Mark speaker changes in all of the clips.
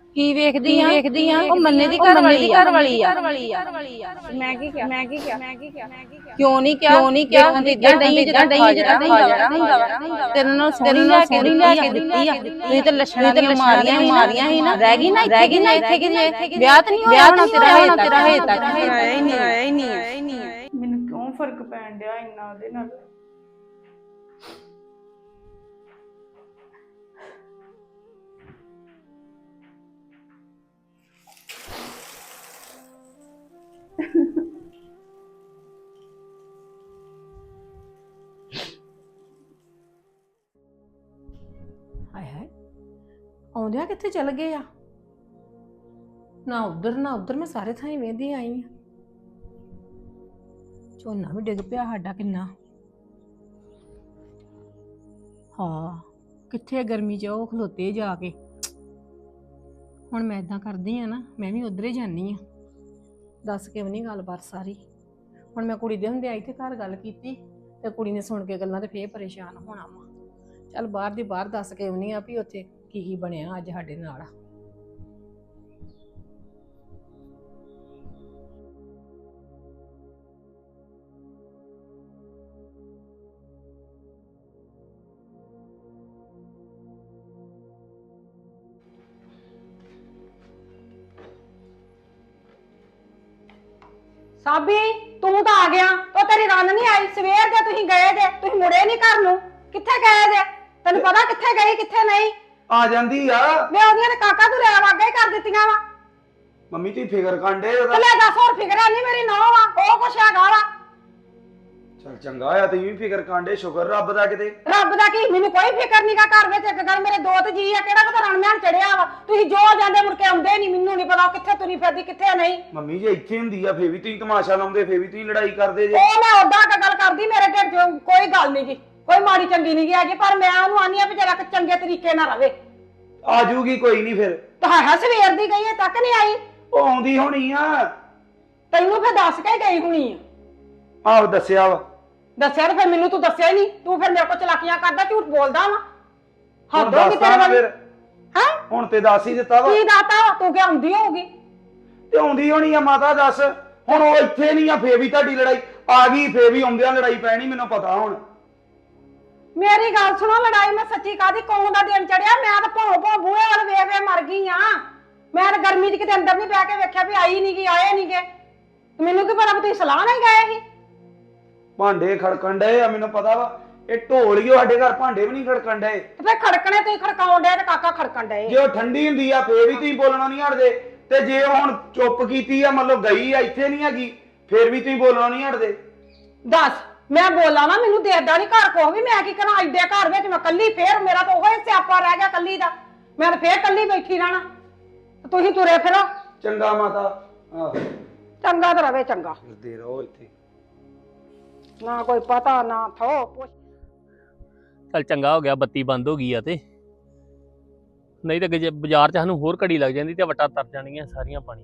Speaker 1: ਕੀ ਵੇਖਦੀ ਆ ਉਹ ਮੰਨੇ ਦੀ ਘਰ ਵਾਲੀ ਆ।
Speaker 2: ਮੈਂ ਕੀ ਕਿਹਾ
Speaker 1: ਕਿਉਂ ਨਹੀਂ ਕਿਹਾ ਇਦਾਂ ਨਹੀਂ ਜਿੱਦਾਂ ਹਾਜ਼ਰਾ ਹੁੰਦਾ ਵਾ। ਤੇਰੇ ਨਾਲ ਸੋਹਣੀ ਲੈ ਕੇ ਦਿੱਤੀ ਆ ਤੁਸੀਂ ਤੇ ਲੱਛਣਾਂ ਦੀਆਂ ਮਾਰੀਆਂ ਸੀ ਨਾ। ਰਹਿ ਗਈ ਨਾ ਇੱਥੇ ਕਿ ਵਿਆਹ ਤਾਂ ਨਹੀਂ ਹੋਣਾ ਤੇਰਾ ਹਜੇ ਤੱਕ
Speaker 2: ਆਇਆ ਹੀ ਨਹੀਂ।
Speaker 3: ਮੈਨੂੰ ਕਿਉਂ ਫਰਕ ਪੈਣ ਡਿਆ ਇੰਨਾ ਉਹਦੇ ਨਾਲ।
Speaker 4: ਹਾਏ ਆਉਂਦਿਆਂ ਕਿੱਥੇ ਚਲ ਗਏ ਆ? ਨਾ ਉਧਰ ਮੈਂ ਸਾਰੇ ਥਾਂ ਵੇਂਦੀ ਆਈ ਆ। ਝੋਨਾ ਵੀ ਡਿੱਗ ਪਿਆ ਸਾਡਾ ਕਿੰਨਾ। ਹਾਂ ਕਿੱਥੇ ਗਰਮੀ ਚ ਉਹ ਖਲੋਤੇ ਜਾ ਕੇ। ਹੁਣ ਮੈਂ ਇਦਾਂ ਕਰਦੀ ਆ ਨਾ, ਮੈਂ ਵੀ ਉਧਰ ਹੀ ਜਾਨੀ ਆ। ਦੱਸ ਕੇ ਵੀ ਨਹੀਂ ਗੱਲਬਾਤ ਸਾਰੀ। ਹੁਣ ਮੈਂ ਕੁੜੀ ਦੇ ਹੁੰਦੇ ਆਈ ਤੇ ਘਰ ਗੱਲ ਕੀਤੀ ਤੇ ਕੁੜੀ ਨੇ ਸੁਣ ਕੇ ਗੱਲਾਂ ਤੇ ਫੇਰ ਪਰੇਸ਼ਾਨ ਹੋਣਾ ਵਾ। ਚੱਲ ਬਾਹਰ ਦੀ ਬਾਹਰ ਦੱਸ ਕੇ ਆਉਣੀ ਆ ਵੀ ਉੱਥੇ ਕੀ ਬਣਿਆ ਅੱਜ ਸਾਡੇ ਨਾਲ।
Speaker 2: ਸਾਬੀ ਤੂੰ ਤਾਂ ਆ ਗਿਆ। ਉਹ ਤੇਰੀ ਰੰਨ ਨਹੀਂ ਆਈ ਸਵੇਰ ਦੇ ਤੁਸੀਂ ਗਏ ਜੇ, ਤੁਸੀਂ ਮੁੜੇ ਨਹੀਂ ਘਰ ਨੂੰ। ਕਿੱਥੇ ਗਏ ਜੇ? ਤੈਨੂੰ ਪਤਾ ਕਿੱਥੇ ਗਈ ਕਿੱਥੇ ਨਹੀਂ?
Speaker 5: ਆ ਜਾਂਦੀ ਆ
Speaker 2: ਮੈਂ ਉਹਦੀਆਂ ਨੇ ਕਾਕਾ ਤੂੰ ਲੈ ਵਾਗੇ ਹੀ ਕਰ ਦਿੱਤੀਆਂ ਵਾ।
Speaker 5: ਮੰਮੀ ਤੁਸੀਂ ਫਿਕਰ ਕਾਂਡੇ
Speaker 2: ਤੇ
Speaker 5: ਉਹਦਾ।
Speaker 2: ਲੈ ਦੱਸ ਹੋਰ ਫਿਕਰ ਨਹੀਂ ਮੇਰੀ ਨੌਂ ਵਾ ਉਹ ਕੁਛ ਹੈਗਾ ਵਾ।
Speaker 5: ਚਲ ਚੰਗਾ ਆ ਤੁਸੀਂ ਵੀ ਫਿਕਰ ਕਾਂਡੇ, ਸ਼ੁਕਰ ਰੱਬ ਦਾ ਕਿਤੇ।
Speaker 2: ਰੱਬ ਦਾ ਕੀ, ਮੈਨੂੰ ਕੋਈ ਫਿਕਰ ਨਹੀਂਗਾ ਘਰ ਵਿੱਚ। ਇੱਕ ਗੱਲ ਮੇਰੇ ਦੋ ਤੇ ਜੀ ਆ, ਕਿਹੜਾ ਕਿਤੇ ਰਣਮਿਆਨ ਚੜਿਆ ਵਾ। ਤੁਸੀਂ ਜੋ ਜਾਂਦੇ ਮੁੜ ਕੇ ਆਉਂਦੇ ਨਹੀਂ। ਮੈਨੂੰ ਨਹੀਂ ਪਤਾ ਕਿੱਥੇ ਤੁਰੀ ਫਿਰਦੀ ਕਿੱਥੇ ਨਹੀਂ।
Speaker 5: ਮੰਮੀ ਜੇ ਇੱਥੇ ਹੁੰਦੀ ਆ ਫੇਰ ਵੀ ਤੁਸੀਂ ਤਮਾਸ਼ਾ ਲਾਉਂਦੇ, ਫੇਰ ਵੀ ਤੁਸੀਂ ਲੜਾਈ ਕਰਦੇ ਜੇ।
Speaker 2: ਉਹ ਮੈਂ ਉਦਾਂ ਗੱਲ ਕਰਦੀ, ਮੇਰੇ ਢਿੱਡ 'ਚ ਕੋਈ ਗੱਲ ਨਹੀਂ ਜੀ, ਕੋਈ ਮਾੜੀ ਚੰਗੀ ਨਹੀਂ ਹੈਗੀ। ਪਰ ਮੈਂ ਉਹਨੂੰ ਆਨੀ ਆ ਵੀ ਜਰਾ ਚੰਗੇ ਤਰੀਕੇ ਨਾਲ ਰਵੇ।
Speaker 5: ਆ ਜੂਗੀ ਕੋਈ ਨਹੀਂ ਫਿਰ।
Speaker 2: ਤਾਂ ਸਵੇਰ ਦੀ ਗਈ ਹੈ ਤੱਕ ਨਹੀਂ ਆਈ।
Speaker 5: ਉਹ ਆਉਂਦੀ ਹੋਣੀ ਆ।
Speaker 2: ਤੈਨੂੰ ਫਿਰ ਦੱਸ ਕੇ ਗਈ ਹੋਣੀ ਆ।
Speaker 5: ਆਹੋ ਦੱਸਿਆ ਵਾ।
Speaker 2: ਦੱਸਿਆ ਤੇ ਫਿਰ ਮੈਨੂੰ ਤੂੰ ਦੱਸਿਆ ਹੀ ਨਹੀਂ। ਤੂੰ ਫਿਰ ਮੇਰੇ ਕੋਲ ਚਲਾਕੀਆਂ ਕਰਦਾ, ਝੂਠ ਬੋਲਦਾ ਵਾ।
Speaker 5: ਹੁਣ
Speaker 2: ਹੱਦ ਹੋ ਗਈ ਤੇਰੇ
Speaker 5: ਦੱਸਾਂ
Speaker 2: ਵਾਲੀ।
Speaker 5: ਫਿਰ।
Speaker 2: ਹੈ
Speaker 5: ਹੁਣ ਤੇ ਦੱਸ ਹੀ ਦਿੱਤਾ ਵਾ।
Speaker 2: ਕੀ ਦਾਤਾ ਵਾ? ਤੂੰ ਕਿ ਆਉਂਦੀ ਹੋਊਗੀ।
Speaker 5: ਤੇ ਆਉਂਦੀ ਹੋਣੀ ਆ ਮਾਤਾ ਦੱਸ। ਹੁਣ ਉਹ ਇੱਥੇ ਨਹੀਂ ਆ ਫੇਰ ਵੀ ਤੁਹਾਡੀ ਲੜਾਈ ਆ ਗਈ, ਫੇਰ ਵੀ ਆਉਂਦਿਆਂ ਲੜਾਈ ਪੈਣੀ ਮੈਨੂੰ ਪਤਾ ਹੁਣ।
Speaker 2: ਮੇਰੀ ਗੱਲ ਸੁਣੋ, ਲੜਾਈ ਮੈਂ ਸੱਚੀ ਕਾਦੀ ਕੌਣ ਦਾ ਦਿਨ ਚੜਿਆ। ਮੈਂ ਤਾਂ ਭੌਂ ਬੂਹੇ ਵਾਲ ਵੇਖ ਵੇ ਮਰ ਗਈ ਆ। ਮੈਂ ਤਾਂ ਗਰਮੀ 'ਚ ਕਿਤੇ ਅੰਦਰ ਨਹੀਂ ਬਹਿ ਕੇ ਵੇਖਿਆ ਵੀ ਆਈ ਨਹੀਂ ਗਈ, ਆਏ ਨਹੀਂ ਗਏ। ਮੈਨੂੰ ਕੀ ਪਤਾ ਵੀ ਤੁਸੀਂ ਸਲਾਹ ਨਹੀਂ ਗਏ ਸੀ।
Speaker 5: ਭਾਂਡੇ ਖੜਕਣ ਡਏ ਆ ਮੈਨੂੰ ਪਤਾ ਵਾ। ਇਹ ਢੋਲੀਓ ਸਾਡੇ ਘਰ ਭਾਂਡੇ ਵੀ ਨਹੀਂ ਖੜਕਣ ਡਏ।
Speaker 2: ਤੇ ਫਿਰ ਖੜਕਣੇ ਤੁਸੀਂ ਖੜਕਾਉਣ ਡਏ ਤੇ ਕਾਕਾ ਖੜਕਣ ਡਏ।
Speaker 5: ਜੇ ਉਹ ਠੰਡੀ ਹੁੰਦੀ ਆ ਫੇਰ ਵੀ ਤੁਸੀਂ ਬੋਲਣਾ ਨਹੀਂ ਹਟਦੇ। ਤੇ ਜੇ ਉਹ ਹੁਣ ਚੁੱਪ ਕੀਤੀ ਆ, ਮਤਲਬ ਗਈ ਆ ਇੱਥੇ ਨਹੀਂ ਹੈਗੀ, ਫੇਰ ਵੀ ਤੁਸੀਂ ਬੋਲਣਾ ਨਹੀਂ ਹਟਦੇ।
Speaker 2: ਦੱਸ ਮੈਂ ਬੋਲਾਂ ਨਾ, ਮੈਨੂੰ ਦੇਖਦਾ ਨਹੀਂ ਘਰ ਕੋ ਵੀ। ਮੈਂ ਕੀ ਕਰਾਂ ਐਡੇ ਘਰ ਵਿੱਚ ਮੈਂ ਕੱਲੀ। ਫੇਰ ਮੇਰਾ ਤਾਂ ਉਹੀ ਸਿਆਪਾ ਰਹਿ ਗਿਆ ਕੱਲੀ ਦਾ। ਮੈਂ ਤਾਂ ਫੇਰ ਕੱਲੀ ਬੈਠੀ ਰਹਿਣਾ। ਤੁਸੀਂ ਤੁਰੇ ਫਿਰੋ।
Speaker 5: ਚੰਗਾ ਮਾਤਾ। ਆਹ
Speaker 2: ਚੰਗਾ ਤਾਂ ਰਵੇ ਚੰਗਾ।
Speaker 5: ਫਿਰਦੇ ਰਹੋ ਇੱਥੇ।
Speaker 2: ਨਾ ਕੋਈ ਪਤਾ ਨਾ ਥੋ ਪੁੱਛ।
Speaker 6: ਚੱਲ ਚੰਗਾ ਹੋ ਗਿਆ ਬੱਤੀ ਬੰਦ ਹੋ ਗਈ ਆ। ਤੇ ਨਹੀਂ ਤਾਂ ਜੇ ਬਾਜ਼ਾਰ 'ਚ ਸਾਨੂੰ ਹੋਰ ਘੜੀ ਲੱਗ ਜਾਂਦੀ ਤੇ ਵਟਾ ਤਰ ਜਾਣੀਆਂ ਸਾਰੀਆਂ ਪਾਣੀ।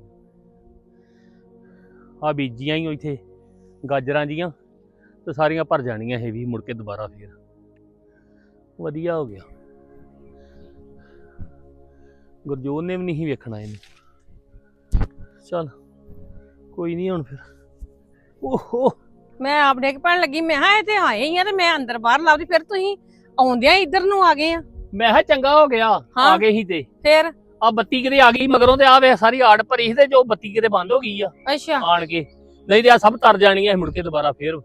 Speaker 6: ਆ ਬੀਜੀਆਂ ਹੀ ਇੱਥੇ ਗਾਜਰਾਂ ਜੀਆਂ ਤੇ ਸਾਰੀਆਂ ਭਰ ਜਾਣੀਆਂ ਇਹ ਵੀ ਮੁੜ ਕੇ ਦੁਬਾਰਾ ਫੇਰ। ਵਧੀਆ ਹੋ ਗਿਆ। ਗੁਰਜੋਤ ਨੇ ਵੀ ਨਹੀਂ ਵੇਖਣਾ ਇਹਨੂੰ। ਚੱਲ ਕੋਈ ਨਹੀਂ ਹੁਣ ਫਿਰ। ਓਹੋ
Speaker 4: ਮੈਂ ਆਪ ਡਿੱਗ ਪੈਣ ਲੱਗੀ। ਮੈਂ ਕਿਹਾ ਇਹ ਤੇ ਆਏ ਹੀ ਆ ਤੇ ਮੈਂ ਅੰਦਰ ਬਾਹਰ ਲਾਉਂਦੀ। ਫਿਰ ਤੁਸੀਂ ਆਉਂਦਿਆਂ ਇੱਧਰ ਨੂੰ ਆ ਗਏ ਆ।
Speaker 6: ਮੈਂ ਕਿਹਾ ਚੰਗਾ ਹੋ ਗਿਆ ਆ ਗਏ ਸੀ ਤੇ
Speaker 4: ਫਿਰ
Speaker 6: ਆ ਬੱਤੀ ਕਿਤੇ ਆ ਗਈ ਮਗਰੋਂ। ਤੇ ਆ ਵੇ ਸਾਰੀ ਆੜ ਭਰੀ ਸੀ ਤੇ ਜੋ ਬੱਤੀ ਕਿਤੇ ਬੰਦ ਹੋ ਗਈ ਆ
Speaker 4: ਅੱਛਾ
Speaker 6: ਆਣ ਕੇ। ਨਹੀਂ ਤੇ ਆ ਸਭ ਤਰ ਜਾਣੀਆਂ ਮੁੜ ਕੇ ਦੁਬਾਰਾ ਫੇਰ।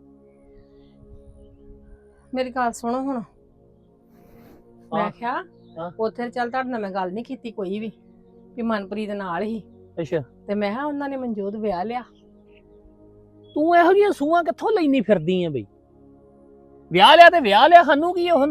Speaker 4: ਮੇਰੀ ਗੱਲ ਸੁਣੋ ਹੁਣ। ਮੈਂ ਕਿਹਾ
Speaker 6: ਹਾਂ।
Speaker 4: ਉੱਥੇ ਚੱਲ ਤੁਹਾਡੇ ਨਾਲ ਮੈਂ ਗੱਲ ਨਹੀਂ ਕੀਤੀ ਕੋਈ ਵੀ ਮਨਪ੍ਰੀਤ ਨਾਲ ਹੀ।
Speaker 6: ਅੱਛਾ
Speaker 4: ਤੇ ਮੈਂ ਕਿਹਾ ਉਹਨਾਂ ਨੇ ਮਨਜੋਤ ਵਿਆਹ ਲਿਆ।
Speaker 6: ਤੂੰ ਇਹੋ ਜਿਹੀਆਂ ਸੂਹਾਂ ਕਿੱਥੋਂ ਲੈਣੀ ਫਿਰਦੀ ਆ ਬਈ? ਵਿਆਹ ਲਿਆ ਤੇ ਵਿਆਹ ਲਿਆ, ਸਾਨੂੰ ਕੀ ਉਹ?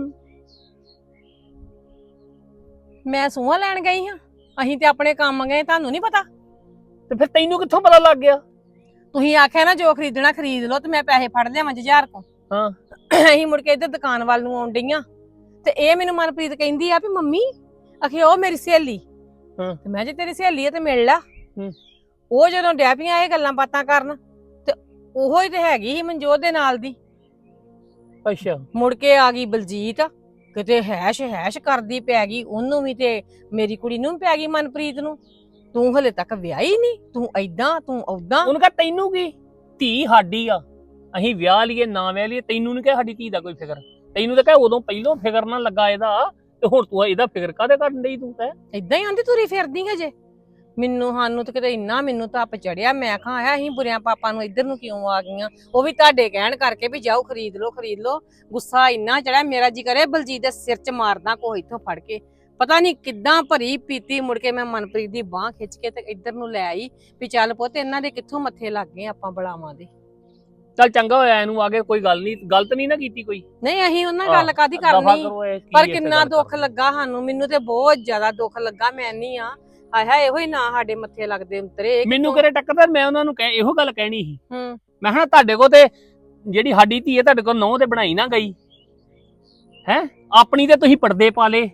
Speaker 4: ਮੈਂ ਸੂਹਾ ਲੈਣ ਗਈ ਹਾਂ। ਅਸੀਂ ਤੇ ਆਪਣੇ ਕੰਮ ਗਏ, ਤੁਹਾਨੂੰ ਨਹੀਂ ਪਤਾ?
Speaker 6: ਤੇ ਫਿਰ ਤੈਨੂੰ ਕਿੱਥੋਂ ਪਤਾ ਲੱਗ ਗਿਆ?
Speaker 4: ਤੁਸੀਂ ਆਖਿਆ ਨਾ ਜੋ ਖਰੀਦਣਾ ਖਰੀਦ ਲਓ ਤੇ ਮੈਂ ਪੈਸੇ ਫੜ ਲਿਆਵਾਂ ਜੁਝਾਰ ਕੋ।
Speaker 6: ਹਾਂ
Speaker 4: ਅਸੀਂ ਮੁੜ ਕੇ ਇੱਧਰ ਦੁਕਾਨ ਵੱਲ ਨੂੰ ਆਉਣ ਡਈਆਂ ਤੇ ਇਹ ਮੈਨੂੰ ਮਨਪ੍ਰੀਤ ਕਹਿੰਦੀ ਆ ਵੀ ਮੰਮੀ ਆਖੇ ਉਹ ਮੇਰੀ ਸਹੇਲੀ।
Speaker 6: ਹਾਂ
Speaker 4: ਤੇ ਮੈਂ ਜੇ ਤੇਰੀ ਸਹੇਲੀ ਆ ਤੇ ਮਿਲ ਲਾ।
Speaker 6: ਹੂੰ
Speaker 4: ਉਹ ਜਦੋਂ ਡੈਪੀਆਂ ਇਹ ਗੱਲਾਂ ਬਾਤਾਂ ਕਰਨ ਤੇ ਉਹੋ ਹੀ ਤੇ ਹੈਗੀ ਸੀ ਮਨਜੋਤ ਦੇ ਨਾਲ ਦੀ।
Speaker 6: ਅੱਛਾ
Speaker 4: ਮੁੜ ਕੇ ਆ ਗਈ ਬਲਜੀਤ ਕਿਤੇ ਹੈਸ਼ ਹੈਸ਼ ਕਰਦੀ ਪੈ ਗਈ ਉਹਨੂੰ ਵੀ ਤੇ ਮੇਰੀ ਕੁੜੀ ਨੂੰ ਵੀ ਪੈ ਗਈ ਮਨਪ੍ਰੀਤ ਨੂੰ। ਤੂੰ ਹਲੇ ਤੱਕ ਵਿਆਹੀ ਨਹੀਂ, ਤੂੰ ਏਦਾਂ ਤੂੰ ਓਦਾਂ।
Speaker 6: ਉਹਨੂੰ ਕਹ ਤੈਨੂੰ ਕੀ, ਧੀ ਸਾਡੀ ਆ, ਅਸੀਂ ਵਿਆਹ ਲਈਏ ਨਾ ਵਿਆਹ ਲਈਏ, ਤੈਨੂੰ ਨਹੀਂ ਕਹ ਸਾਡੀ ਧੀ ਦਾ ਕੋਈ ਫਿਕਰ। ਤੈਨੂੰ ਤਾਂ ਕਹ ਉਦੋਂ ਪਹਿਲੋਂ ਫਿਕਰ ਨਾ ਲੱਗਾ ਇਹਦਾ, ਤੇ ਹੁਣ ਤੂੰ ਇਹਦਾ ਫਿਕਰ ਕਾਹਦੇ ਕਰਨ ਡਈ ਤੂੰ ਕਹਿ।
Speaker 4: ਏਦਾਂ ਹੀ ਆਂਦੀ ਤੁਰੀ ਫਿਰਦੀ ਹਜੇ। ਸਾਨੂੰ ਤੇ ਕਿਤੇ ਇੰਨਾ ਮੈਨੂੰ ਧੱਪ ਚੜਿਆ, ਮੈਂ ਕਿਹਾ ਆਇਆ ਅਸੀਂ ਬੁਰਿਆਂ ਪਾਪਾਂ ਨੂੰ ਇੱਧਰ ਨੂੰ ਕਿਉਂ ਆ ਗਈਆਂ। ਉਹ ਵੀ ਤੁਹਾਡੇ ਕਹਿਣ ਕਰਕੇ ਵੀ ਜਾਓ ਖਰੀਦ ਲਓ। ਗੁੱਸਾ ਇੰਨਾ ਚੜਿਆ, ਮੇਰਾ ਜੀ ਕਰੇ ਬਲਜੀਤ ਦੇ ਸਿਰ 'ਚ ਮਾਰਦਾ ਕੋਈ ਇੱਥੋਂ ਫੜ ਕੇ। ਪਤਾ ਨਹੀਂ ਕਿੱਦਾਂ ਭਰੀ ਪੀਤੀ, ਮੁੜ ਕੇ ਮੈਂ ਮਨਪ੍ਰੀਤ ਦੀ ਬਾਹ ਖਿੱਚ ਕੇ ਤੇ ਇੱਧਰ ਨੂੰ ਲੈ ਆਈ ਵੀ ਚੱਲ ਪੁੱਤ ਇਹਨਾਂ ਦੇ ਕਿੱਥੋਂ ਮੱਥੇ ਲੱਗ ਗਏ ਆਪਾਂ ਬਲਾਵਾਂ ਦੇ।
Speaker 6: ਚੱਲ ਚੰਗਾ ਹੋਇਆ, ਇਹਨੂੰ ਆ ਕੇ ਕੋਈ ਗੱਲ ਨਹੀਂ, ਗਲਤ ਨਹੀਂ ਨਾ ਕੀਤੀ ਕੋਈ।
Speaker 4: ਨਹੀਂ ਅਸੀਂ ਉਹਨਾਂ ਗੱਲ ਕਾਦੀ ਕਰਨੀ, ਪਰ ਕਿੰਨਾ ਦੁੱਖ ਲੱਗਾ ਸਾਨੂੰ। ਮੈਨੂੰ ਤੇ ਬਹੁਤ ਜ਼ਿਆਦਾ ਦੁੱਖ ਲੱਗਾ। ਮੈਂ ਨਹੀਂ ਆ ਆਇਆ ਇਹੋ ਹੀ ਨਾ ਸਾਡੇ ਮੱਥੇ ਲੱਗਦੇ ਉਤਰੇ।
Speaker 6: ਮੈਨੂੰ ਕਿਹੜੇ ਟੱਕਰ, ਮੈਂ ਉਹਨਾਂ ਨੂੰ ਇਹੋ ਗੱਲ ਕਹਿਣੀ ਸੀ।
Speaker 4: ਹੂੰ
Speaker 6: ਮੈਂ ਕਿਹਾ ਤੁਹਾਡੇ ਕੋਲ ਤੇ ਜਿਹੜੀ ਸਾਡੀ ਧੀ ਹੈ ਤੁਹਾਡੇ ਕੋਲ ਨਹੁੰ ਤੇ ਬਣਾਈ ਨਾ ਗਈ ਹੈ, ਆਪਣੀ ਤੇ ਤੁਸੀਂ ਪਰਦੇ ਪਾ ਲੇ।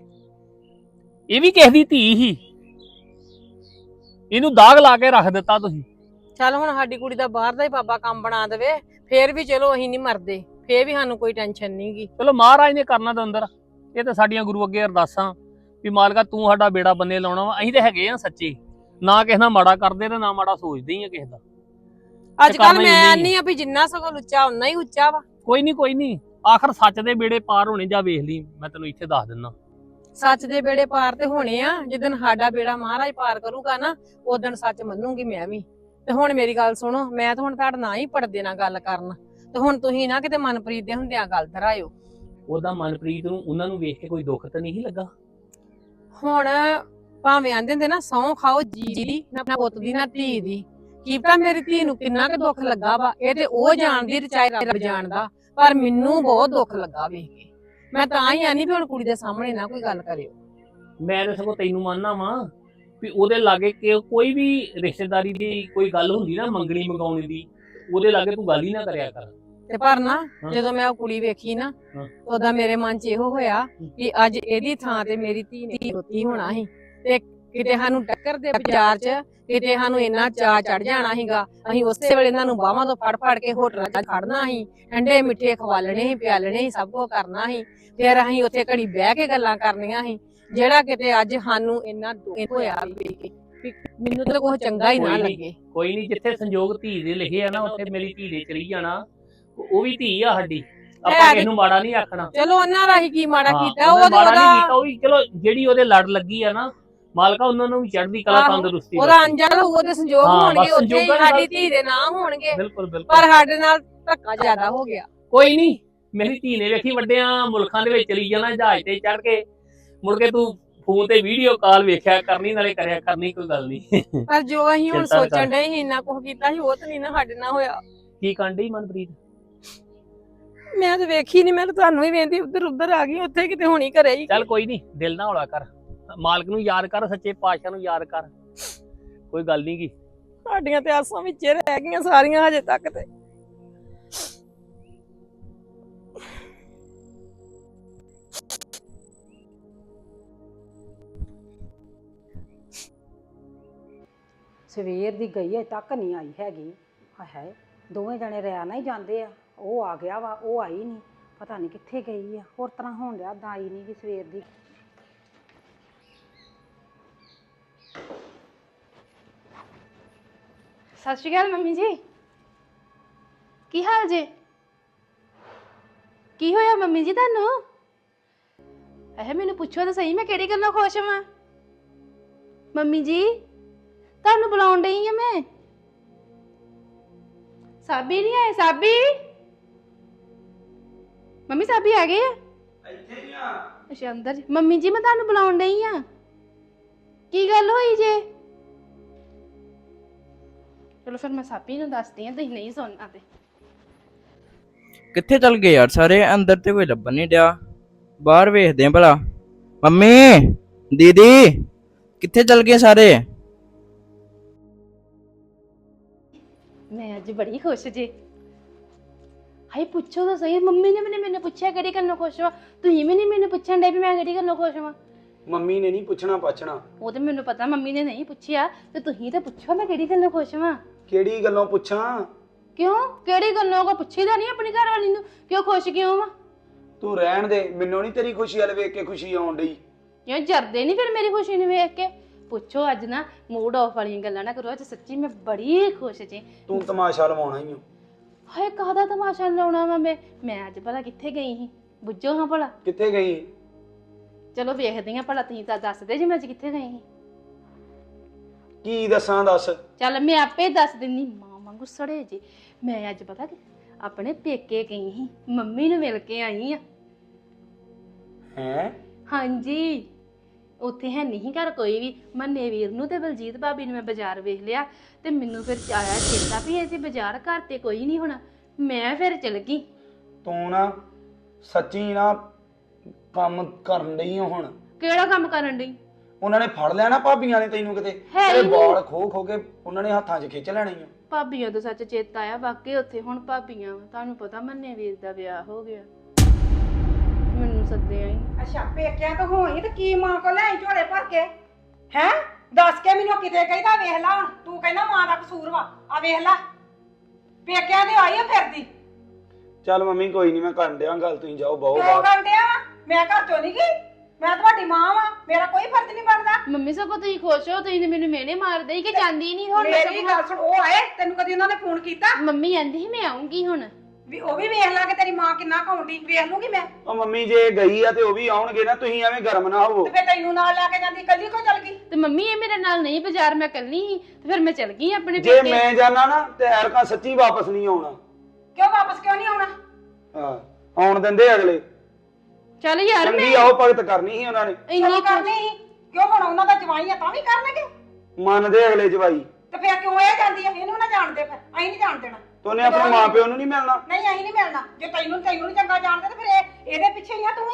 Speaker 6: ਇਹ ਵੀ ਕਿਸੇ ਦੀ ਧੀ ਹੀ, ਇਹਨੂੰ ਦਾਗ ਲਾ ਕੇ ਰੱਖ ਦਿੱਤਾ ਤੁਸੀਂ।
Speaker 4: ਚੱਲ ਹੁਣ ਸਾਡੀ ਕੁੜੀ ਦਾ ਬਾਹਰ ਦਾ ਹੀ ਬਾਬਾ ਕੰਮ ਬਣਾ ਦੇਵੇ, ਫੇਰ ਵੀ ਚਲੋ ਅਸੀਂ ਨਹੀਂ ਮਰਦੇ, ਫੇਰ ਵੀ ਸਾਨੂੰ ਕੋਈ ਟੈਨਸ਼ਨ ਨਹੀਂ ਗੀ।
Speaker 6: ਚਲੋ ਮਹਾਰਾਜ ਨੇ ਕਰਨਾ ਤਾਂ ਅੰਦਰ, ਇਹ ਤਾਂ ਸਾਡੀਆਂ ਗੁਰੂ ਅੱਗੇ ਅਰਦਾਸਾਂ ਵੀ ਮਾਲਕਾ ਤੂੰ ਸਾਡਾ ਬੇੜਾ ਬੰਨੇ ਲਾਉਣਾ ਵਾ। ਅਸੀਂ ਤੇ ਹੈਗੇ ਆ ਸੱਚੇ, ਨਾ ਕਿਸੇ ਨਾਲ ਮਾੜਾ ਕਰਦੇ ਤੇ ਨਾ ਮਾੜਾ ਸੋਚਦੇ ਹੀ ਆ ਕਿਸੇ ਦਾ।
Speaker 4: ਅੱਜ ਕੱਲ ਮੈਂ ਨਹੀਂ ਆ ਵੀ ਜਿੰਨਾ ਸਗੋਂ ਲੁੱਚਾ ਉਨਾ ਹੀ ਉੱਚਾ ਵਾ।
Speaker 6: ਕੋਈ ਨਹੀਂ, ਆਖਰ ਸੱਚ ਦੇ ਬੇੜੇ ਪਾਰ ਹੋਣੇ, ਜਾ ਵੇਖ ਲਈ, ਮੈਂ ਤੈਨੂੰ ਇੱਥੇ ਦੱਸ ਦਿੰਦਾ।
Speaker 4: ਸੱਚ ਦੇ ਬੇੜੇ ਪਾਰ ਤੇ ਹੋਣੇ ਆ, ਜਿੱਦਣ ਸਾਡਾ ਬੇੜਾ ਮਹਾਰਾਜ ਪਾਰ ਕਰੂਗਾ ਨਾ, ਉਦਣ ਸੱਚ ਮੰਨੂਗੀ ਮੈਂ ਵੀ। ਤੇ ਹੁਣ ਮੇਰੀ ਗੱਲ ਸੁਣੋ, ਮੈਂ ਤਾਂ ਹੁਣ ਤੁਹਾਡੇ ਨਾਲ ਹੀ ਪੜਦੇ ਨਾਲ ਗੱਲ ਕਰਨ, ਤੇ ਹੁਣ ਤੁਸੀਂ ਨਾ ਕਿਤੇ ਮਨਪ੍ਰੀਤ ਦੇ ਹੁੰਦਿਆਂ ਗੱਲ ਧਰਾਇਓ।
Speaker 6: ਉਹਦਾ ਮਨਪ੍ਰੀਤ ਨੂੰ ਉਹਨਾਂ ਨੂੰ ਵੇਖ ਕੇ ਕੋਈ ਦੁੱਖ ਤਾਂ ਨਹੀਂ ਲੱਗਾ?
Speaker 4: ਹੁਣ ਭਾਵੇਂ ਆਂਦੇ ਹੁੰਦੇ ਨਾ ਸਹੁੰ ਖਾਓ ਜੀ ਦੀ, ਨਾ ਪੁੱਤ ਦੀ ਨਾ ਧੀ ਦੀ। ਕੀ ਪਤਾ ਮੇਰੀ ਧੀ ਨੂੰ ਕਿੰਨਾ ਕੁ ਦੁੱਖ ਲੱਗਾ ਵਾ, ਇਹ ਤੇ ਉਹ ਜਾਣਦੀ ਤੇ ਚਾਹੇ ਰੱਬ ਜਾਣਦਾ, ਪਰ ਮੈਨੂੰ ਬਹੁਤ ਦੁੱਖ ਲੱਗਾ ਵੇਖ ਕੇ। ਮੈਂ ਤਾਂ ਹੀ ਆਨੀ ਵੀ ਹੁਣ ਕੁੜੀ ਦੇ ਸਾਹਮਣੇ ਨਾ ਕੋਈ ਗੱਲ ਕਰਿਓ।
Speaker 6: ਮੈਂ ਤਾਂ ਸਗੋਂ ਤੈਨੂੰ ਮੰਨਣਾ ਵਾਂ ਵੀ ਉਹਦੇ ਲਾਗੇ ਕਿ ਕੋਈ ਵੀ ਰਿਸ਼ਤੇਦਾਰੀ ਦੀ ਕੋਈ ਗੱਲ ਹੁੰਦੀ ਨਾ, ਮੰਗਣੀ ਮੰਗਾਉਣੀ ਦੀ, ਉਹਦੇ ਲਾਗੇ ਤੂੰ ਗੱਲ ਹੀ ਨਾ ਕਰਿਆ ਕਰ।
Speaker 4: ਤੇ ਪਰ ਨਾ ਜਦੋਂ ਮੈਂ ਉਹ ਕੁੜੀ ਵੇਖੀ ਨਾ, ਉਹਦਾ ਮੇਰੇ ਮਨ 'ਚ ਇਹੋ ਹੋਇਆ ਕਿ ਅੱਜ ਇਹਦੀ ਥਾਂ ਤੇ ਮੇਰੀ ਧੀ ਨੇ ਰੋਤੀ ਹੋਣਾ ਸੀ, ਤੇ ਕਿਤੇ ਸਾਨੂੰ ਟੱਕਰ ਦੇ ਬਾਜ਼ਾਰ 'ਚ ਕਿਤੇ ਸਾਨੂੰ ਇੰਨਾ ਚਾਅ ਚੜ ਜਾਣਾ ਸੀਗਾ। ਅਸੀਂ ਉਸੇ ਵੇਲੇ ਇਹਨਾਂ ਨੂੰ ਬਾਹਾਂ ਤੋਂ ਫੜ ਕੇ ਹੋਟਲਾਂ 'ਚ ਖੜਨਾ ਸੀ, ਠੰਡੇ ਮਿੱਠੇ ਖਵਾਲਣੇ ਸੀ, ਪਿਆਲਣੇ ਸੀ, ਸਭ ਕੁਝ ਕਰਨਾ ਸੀ। ਫਿਰ ਅਸੀਂ ਉੱਥੇ ਘੜੀ ਬਹਿ ਕੇ ਗੱਲਾਂ ਕਰਨੀਆਂ ਸੀ, ਜਿਹੜਾ ਕਿਤੇ ਅੱਜ ਸਾਨੂੰ ਇੰਨਾ ਦੁੱਖ ਹੋਇਆ ਵੀ ਮੈਨੂੰ ਤਾਂ ਕੁਝ ਚੰਗਾ ਹੀ ਨਾ ਲੱਗੇ।
Speaker 6: ਕੋਈ ਨਹੀਂ, ਜਿੱਥੇ ਸੰਜੋਗ ਧੀ ਦੇ ਲਿਖੇ ਆ ਨਾ, ਉੱਥੇ ਮੇਰੀ ਧੀ ਦੇ ਚਲੀ ਜਾਣਾ। ਉਹ ਵੀ ਧੀ ਆ ਸਾਡੀ, ਆਪਾਂ ਕਿਸੇ ਨੂੰ ਮਾੜਾ ਨਹੀਂ ਆਖਣਾ।
Speaker 4: ਚਲੋ ਉਹਨਾਂ ਰਾਹੀਂ ਕੀ ਮਾੜਾ ਕੀਤਾ,
Speaker 6: ਉਹ ਵੀ ਚਲੋ ਜਿਹੜੀ ਉਹਦੇ ਲੜ ਲੱਗੀ ਆ ਨਾ, ਮਾਲਕਾ ਉਹਨਾਂ ਨੂੰ ਵੀ ਚੜ੍ਹਦੀ ਕਲਾ ਤੰਦਰੁਸਤੀ,
Speaker 4: ਉਹਦਾ ਅੰਜਲ ਹੋਊ ਤੇ ਸੰਜੋਗ ਹੋਣਗੇ, ਉੱਥੇ ਸਾਡੀ ਧੀ ਦੇ ਨਾਂ ਹੋਣਗੇ।
Speaker 6: ਬਿਲਕੁਲ
Speaker 4: ਪਰ ਸਾਡੇ ਨਾਲ ਧੱਕਾ ਜ਼ਿਆਦਾ ਹੋ ਗਿਆ।
Speaker 6: ਕੋਈ ਨਹੀਂ, ਮੇਰੀ ਧੀ ਨੇ ਵੇਖੀ ਵੱਡਿਆਂ ਮੁਲਕਾਂ ਦੇ ਵਿੱਚ ਚਲੀ ਜਾਣਾ ਜਹਾਜ਼ ਤੇ ਚੜ ਕੇ, ਮੁੜ ਕੇ ਤੂੰ ਫੋਨ ਤੇ ਵੀਡੀਓ ਕਾਲ ਵੇਖਿਆ ਕਰਨੀ, ਨਾਲੇ ਕਰਿਆ ਕਰਨੀ, ਕੋਈ ਗੱਲ ਨਹੀਂ।
Speaker 4: ਪਰ ਜੋ ਅਸੀਂ ਹੁਣ ਸੋਚਣ ਡਏ ਸੀ ਇੰਨਾ ਕੁਝ ਕੀਤਾ ਸੀ, ਉਹ ਤਾਂ ਨਹੀਂ ਨਾ ਸਾਡੇ ਨਾਲ ਹੋਇਆ।
Speaker 6: ਕੀ ਕਾਂਡੀ ਮਨਪ੍ਰੀਤ?
Speaker 4: ਮੈਂ ਤਾਂ ਵੇਖੀ ਨਹੀਂ, ਮੈਂ ਤਾਂ ਤੁਹਾਨੂੰ ਹੀ ਵੇਂਦੀ ਉੱਧਰ ਆ ਗਈ, ਉੱਥੇ ਕਿਤੇ ਹੋਣੀ ਘਰੇ ਹੀ।
Speaker 6: ਚੱਲ ਕੋਈ ਨਹੀਂ, ਦਿਲ ਨਾ ਹੌਲਾ ਕਰ, ਮਾਲਕ ਨੂੰ ਯਾਦ ਕਰ, ਸੱਚੇ ਪਾਤਸ਼ਾਹ ਨੂੰ ਯਾਦ ਕਰ, ਕੋਈ ਗੱਲ ਨਹੀਂ ਗੀ।
Speaker 4: ਸਾਡੀਆਂ ਤੇ ਆਸਾਂ ਵਿੱਚ ਰਹਿ ਗਈਆਂ ਸਾਰੀਆਂ ਹਜੇ ਤੱਕ ਤੇ।
Speaker 2: ਸਵੇਰ ਦੀ ਗਈ ਹੈ ਤੱਕ ਨਹੀਂ ਆਈ ਹੈਗੀ। ਹਾਏ ਦੋਵੇਂ ਜਣੇ ਰਿਆ ਨਾ ਹੀ ਜਾਂਦੇ ਆ, ਉਹ ਆ ਗਿਆ ਵਾ, ਉਹ ਆਈ ਨਹੀਂ, ਪਤਾ ਨਹੀਂ ਕਿੱਥੇ ਗਈ ਆ। ਹੋਰ ਤਰ੍ਹਾਂ ਹੋਣ ਡਿਆ, ਤਾਂ ਆਈ ਨਹੀਂ ਗੀ ਸਵੇਰ ਦੀ।
Speaker 7: ਸਤਿ ਸ਼੍ਰੀ ਅਕਾਲ ਮੰਮੀ ਜੀ, ਕੀ ਹਾਲ ਜੇ? ਕੀ ਹੋਇਆ ਮੰਮੀ ਜੀ ਤੁਹਾਨੂੰ? ਮੈਨੂੰ ਪੁੱਛੋ ਤਾਂ ਸਹੀ, ਮੈਂ ਕਿਹੜੀ ਗੱਲੋਂ ਖੁਸ਼ ਹਾਂ? ਮੰਮੀ ਜੀ ਤੁਹਾਨੂੰ ਬੁਲਾਉਣ ਡਈ ਆ ਮੈਂ। ਸਾਬੀ ਨਹੀਂ ਆਏ? ਸਾਬੀ ਮੰਮੀ, ਸਾਬੀ ਆ ਗਏ ਆ?
Speaker 5: ਇੱਥੇ ਨਹੀਂ ਆ।
Speaker 7: ਅੱਛਾ ਅੰਦਰ ਜੀ। ਮੰਮੀ ਜੀ ਮੈਂ ਤੁਹਾਨੂੰ ਬੁਲਾਉਣ ਡਈ ਆ, ਕੀ ਗੱਲ ਹੋਈ ਜੇ? ਚਲੋ ਫਿਰ ਮੈਂ ਸਾਬੀ ਨੂੰ ਦੱਸਦੀ ਆ, ਤੁਸੀਂ ਨਹੀਂ ਸੁਣਨਾ ਤੇ।
Speaker 8: ਕਿੱਥੇ ਚਲ ਗਏ ਯਾਰ ਸਾਰੇ? ਅੰਦਰ ਤੇ ਕੋਈ ਲੱਭਣ ਨਹੀਂ ਡਿਆ, ਬਾਹਰ ਵੇਖਦੇ ਆ ਭਲਾ। ਮੰਮੀ, ਦੀਦੀ ਕਿੱਥੇ ਚਲ ਗਏ ਸਾਰੇ?
Speaker 7: ਮੈਂ ਅੱਜ ਬੜੀ ਖੁਸ਼ ਜੇ। ਹਾਏ ਪੁੱਛੋ ਤਾਂ ਸਹੀ, ਮੰਮੀ ਨੇ ਮੈਨੂੰ ਪੁੱਛਿਆ ਕਿਹੜੀ ਗੱਲੋਂ ਖੁਸ਼ ਵਾ, ਤੁਸੀਂ ਵੀ ਨਹੀਂ ਮੈਨੂੰ ਪੁੱਛਣ ਡੇ ਵੀ ਮੈਂ ਕਿਹੜੀ ਗੱਲੋਂ ਖੁਸ਼ ਵਾਂ।
Speaker 5: ਮੰਮੀ ਨੇ ਨਹੀਂ ਪੁੱਛਣਾ ਪਾਛਣਾ,
Speaker 7: ਉਹ ਤੇ ਮੈਨੂੰ ਪਤਾ ਮੰਮੀ ਨੇ ਨਹੀਂ ਪੁੱਛਿਆ, ਤੇ ਤੁਸੀਂ ਤਾਂ ਪੁੱਛੋ ਮੈਂ ਕਿਹੜੀ ਗੱਲੋਂ ਖੁਸ਼ ਵਾਂ।
Speaker 5: ਕਿਹੜੀ ਗੱਲੋਂ ਪੁੱਛਾਂ?
Speaker 7: ਕਿਉਂ? ਕਿਹੜੀ ਗੱਲੋਂ? ਕੋ ਪੁੱਛੀਦਾ ਨਹੀਂ ਆਪਣੀ ਘਰ ਵਾਲੀ ਨੂੰ ਕਿਉਂ ਖੁਸ਼ ਕਿਉਂ ਵਾ?
Speaker 5: ਤੂੰ ਰਹਿਣ ਦੇ, ਮੈਨੂੰ ਨਹੀਂ ਤੇਰੀ ਖੁਸ਼ੀ ਵਾਲ ਵੇਖ ਕੇ ਖੁਸ਼ੀ ਆਉਣ ਡਈ।
Speaker 7: ਕਿਉਂ ਜਰਦੇ ਨਹੀਂ ਫਿਰ ਮੇਰੀ ਖੁਸ਼ੀ ਨੂੰ ਵੇਖ ਕੇ? ਪੁੱਛੋ ਅੱਜ ਨਾ ਮੂਡ ਆਫ ਵਾਲੀਆਂ ਗੱਲਾਂ ਨਾ ਕਰੋ, ਅੱਜ ਸੱਚੀ ਮੈਂ ਬੜੀ ਖੁਸ਼ ਜੀ।
Speaker 5: ਤੂੰ ਤਮਾਸ਼ਾ ਲਵਾਉਣਾ ਹੀ ਓ।
Speaker 7: ਹਾਏ ਕਾਹਦਾ ਤਮਾਸ਼ਾ ਲਾਉਣਾ ਵਾ ਮੈਂ ਅੱਜ ਭਲਾ ਕਿੱਥੇ ਗਈ ਸੀ? ਬੁੱਝੋ ਹਾਂ ਭਲਾ।
Speaker 5: ਕਿੱਥੇ ਗਈ?
Speaker 7: ਚਲੋ ਵੇਖਦੀ ਆ ਭਲਾ, ਤੁਸੀਂ ਤਾਂ ਦੱਸਦੇ ਜੀ ਮੈਂ ਅੱਜ ਕਿੱਥੇ ਗਈ ਸੀ।
Speaker 5: ਕੀ ਦੱਸਾਂ ਦੱਸ।
Speaker 7: ਚੱਲ ਮੈਂ ਆਪੇ ਦੱਸ ਦਿੰਨੀ, ਮਾਂ ਵਾਂਗੂ ਸੜੇ ਜੀ। ਮੈਂ ਅੱਜ ਪਤਾ ਕਿ ਆਪਣੇ ਪੇਕੇ ਗਈ ਸੀ, ਮੰਮੀ ਨੂੰ ਮਿਲ ਕੇ ਆਈ ਆ।
Speaker 5: ਹੈਂ?
Speaker 7: ਹਾਂਜੀ, ਉੱਥੇ ਹੈ ਨਹੀਂ ਘਰ ਕੋਈ ਵੀ। ਮੰਨੇ ਵੀਰ ਨੂੰ ਤੇ ਬਲਜੀਤ ਭਾਬੀ ਨੂੰ ਮੈਂ ਬਾਜ਼ਾਰ ਵੇਖ ਲਿਆ ਤੇ ਮੈਨੂੰ ਫਿਰ ਆਇਆ ਚੇਤਾ ਵੀ ਐਸੇ ਬਾਜ਼ਾਰ ਘਰ ਤੇ ਕੋਈ ਨਹੀਂ ਹੋਣਾ। ਮੈਂ ਫਿਰ ਚਲ ਗਈ।
Speaker 5: ਤੂੰ ਨਾ ਸੱਚੀ ਨਾ ਕੰਮ ਕਰਨ ਡਈ ਓ ਹੁਣ।
Speaker 7: ਕਿਹੜਾ ਕੰਮ ਕਰਨ ਡਈ?
Speaker 5: ਉਹਨਾਂ ਨੇ ਫੜ ਲਿਆ ਨਾ ਭਾਬੀਆਂ ਨੇ ਤੈਨੂੰ ਕਿਤੇ,
Speaker 7: ਹੈ ਹੀ
Speaker 5: ਤੇਰੇ
Speaker 7: ਨਹੀਂ।
Speaker 5: ਵਾਲ ਖੋ ਖੋ ਕੇ ਉਹਨਾਂ ਨੇ ਹੱਥਾਂ 'ਚ ਖਿੱਚ ਲੈਣੇ ਆ।
Speaker 7: ਭਾਬੀਆਂ ਤੋਂ ਸੱਚ ਚੇਤਾ ਆਇਆ, ਵਾਕਈ ਉੱਥੇ ਹੁਣ ਭਾਬੀਆਂ ਵਾ। ਤੁਹਾਨੂੰ ਪਤਾ ਮੰਨੇ ਵੀਰ ਦਾ ਵਿਆਹ ਹੋ ਗਿਆ, ਮੈਨੂੰ ਸੱਦਿਆ ਹੀ।
Speaker 2: ਅੱਛਾ ਪੇਕਿਆਂ ਤੋਂ ਹੋਈ ਤੇ ਕੀ ਮਾਂ ਕੋ ਲੈ ਝੋਲੇ ਭਰ ਕੇ? ਹੈ ਦੱਸ ਕੇ ਮੈਨੂੰ ਕਿਤੇ ਕਹਿੰਦਾ ਵੇਖ ਲਾ ਹੁਣ, ਤੂੰ ਕਹਿੰਦਾ ਮਾਂ ਦਾ ਕਸੂਰ ਵਾ। ਆ ਵੇਖ ਲਾ ਪੇਕਿਆਂ ਦੇ ਆਈ ਆ ਫਿਰਦੀ।
Speaker 5: ਚੱਲ ਮੰਮੀ ਕੋਈ ਨਹੀਂ, ਮੈਂ ਕਰਨ ਡਿਆ ਗੱਲ, ਤੁਸੀਂ ਜਾਓ ਬਹੁ
Speaker 2: ਕਿਉਂ
Speaker 5: ਬਾਹਰ।
Speaker 2: ਗੰਡਿਆ ਵਾ? ਮੈਂ ਘਰ ਚੋਂ ਨਹੀਂ ਗਈ, ਮੈਂ ਤੁਹਾਡੀ ਮਾਂ ਵਾਂ, ਮੇਰਾ ਕੋਈ ਫਰਜ਼ ਨਹੀਂ ਬਣਦਾ।
Speaker 7: ਮੰਮੀ ਸਗੋਂ ਤੁਸੀਂ ਖੁਸ਼ ਹੋ, ਤੁਸੀਂ ਤੇ ਮੈਨੂੰ ਮਿਹਣੇ ਮਾਰਦੇ ਹੀ ਕਿ ਜਾਂਦੀ ਨਹੀਂ ਹੁਣ।
Speaker 2: ਮੇਰੀ ਗੱਲ ਸੁਣ, ਉਹ ਆਏ ਤੈਨੂੰ ਕਦੀ ਉਹਨਾਂ ਨੇ ਫੋਨ ਕੀਤਾ?
Speaker 7: ਮੰਮੀ ਕਹਿੰਦੀ ਸੀ ਮੈਂ ਆਉਂਗੀ ਹੁਣ।
Speaker 2: ਵੀ ਉਹ ਵੀ ਵੇਖ ਲਾ ਕਿ ਤੇਰੀ ਮਾਂ ਕਿੰਨਾ ਕੌਂਡੀ, ਵੇਖ ਲੂਗੀ ਮੈਂ।
Speaker 5: ਉਹ ਮੰਮੀ ਜੇ ਗਈ ਆ ਤੇ ਉਹ ਵੀ ਆਉਣਗੇ ਨਾ, ਤੁਸੀਂ ਐਵੇਂ ਗਰਮ ਨਾ ਹੋਵੋ।
Speaker 2: ਤੇ ਫੇਰ ਤੈਨੂੰ ਨਾਲ ਲੈ ਕੇ ਜਾਂਦੀ, ਕੱਲੀ ਕੋ ਚੱਲ ਗਈ?
Speaker 7: ਤੇ ਮੰਮੀ ਇਹ ਮੇਰੇ ਨਾਲ ਨਹੀਂ ਬਾਜ਼ਾਰ, ਮੈਂ ਕੱਲੀ ਸੀ ਤੇ ਫਿਰ ਮੈਂ ਚਲ ਗਈ ਆਪਣੇ
Speaker 5: ਜੇ
Speaker 7: ਪੇਕੇ।
Speaker 5: ਮੈਂ ਜਾਣਾ ਨਾ ਤੇ ਐਰਕਾਂ ਸੱਚੀ ਵਾਪਸ ਨਹੀਂ ਆਉਣਾ।
Speaker 2: ਕਿਉਂ ਵਾਪਸ ਕਿਉਂ ਨਹੀਂ ਆਉਣਾ?
Speaker 5: ਹਾਂ ਆਉਣ ਦਿੰਦੇ ਅਗਲੇ।
Speaker 7: ਚੱਲ ਯਾਰ
Speaker 5: ਚੰਗੀ ਆਓ ਭਗਤ ਕਰਨੀ ਸੀ ਉਹਨਾਂ ਨੇ,
Speaker 7: ਇੰਨੀ
Speaker 2: ਕਿਉਂ ਕਰਨੀ ਸੀ? ਕਿਉਂ ਹੁਣ ਉਹਨਾਂ ਦਾ ਜਵਾਈ ਆ ਤਾਂ ਵੀ ਕਰਨਗੇ?
Speaker 5: ਮੰਨਦੇ ਅਗਲੇ ਜਵਾਈ।
Speaker 2: ਤੇ ਫੇਰ ਕਿਉਂ ਇਹ ਜਾਂਦੀ ਆ? ਇਹਨੂੰ ਨਾ ਜਾਣਦੇ, ਫਿਰ ਅਸੀਂ ਨਹੀਂ ਜਾਣ ਦੇਣਾ।
Speaker 5: ਤੇ ਉਹਨੇ ਆਪਣੇ ਮਾਂ ਪਿਓ ਨੂੰ ਨਹੀਂ ਮਿਲਣਾ?
Speaker 2: ਨਹੀਂ ਅਸੀਂ ਨਹੀਂ ਮਿਲਣਾ। ਜੇ ਤੈਨੂੰ ਨਹੀਂ ਚੰਗਾ ਜਾਣਦੇ ਤੇ ਫਿਰ ਇਹਦੇ ਪਿੱਛੇ ਹੀ ਆ ਤੂੰ ਵੀ।